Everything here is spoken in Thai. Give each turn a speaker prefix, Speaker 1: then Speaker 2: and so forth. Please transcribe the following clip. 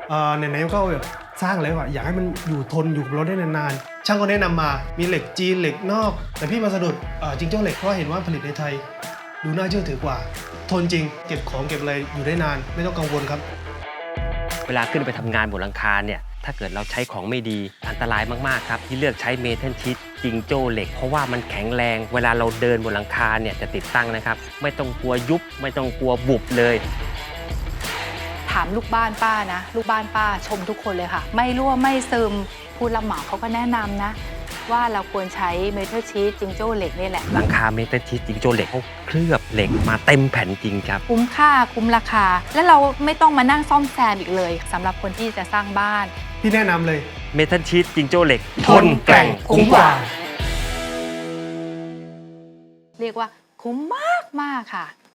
Speaker 1: ไหนๆก็แบบสร้างแล้วอะอยากให้มันอยู่ทนอยู่กับเราได้นานๆช่างก็แนะนำมามีเหล็กจีนเหล็กนอกแต่พี่มาสะดุดจิงโจ้เหล็กเพราะเห็นว่าผลิตในไทยดูน่าเชื่อถือกว่าทนจริงเก็บของเก็บอะไรอยู่ได้นานไม่ต้องกังวลครับ
Speaker 2: เวลาขึ้นไปทำงานบนหลังคาเนี่ยถ้าเกิดเราใช้ของไม่ดีอันตรายมากๆครับที่เลือกใช้เมทัลชีทจิงโจ้เหล็กเพราะว่ามันแข็งแรงเวลาเราเดินบนหลังคาเนี่ยจะติดตั้งนะครับไม่ต้องกลัวยุบไม่ต้องกลัวบุบเลย
Speaker 3: ถามลูกบ้านป้านะลูกบ้านป้าชมทุกคนเลยค่ะไม่รั่วไม่ซึมผู้รับเหมาเขาก็แนะนำนะว่าเราควรใช้เมทัลชีทจิงโจ้เหล็กนี่แหละ
Speaker 2: หลังคาเมทัลชีทจิงโจ้เหล็กเขาเคลือบเหล็กมาเต็มแผ่นจริงครับ
Speaker 3: คุ้มค่าคุ้มราคาและเราไม่ต้องมานั่งซ่อมแซมอีกเลยสำหรับคนที่จะสร้างบ้าน
Speaker 1: พี่แนะนำเลย
Speaker 2: เมทัลชีทจิงโจ้เหล็ก
Speaker 1: ทนแกร่งคุ้มกว่า
Speaker 3: เรียกว่าคุ้มมากค่ะ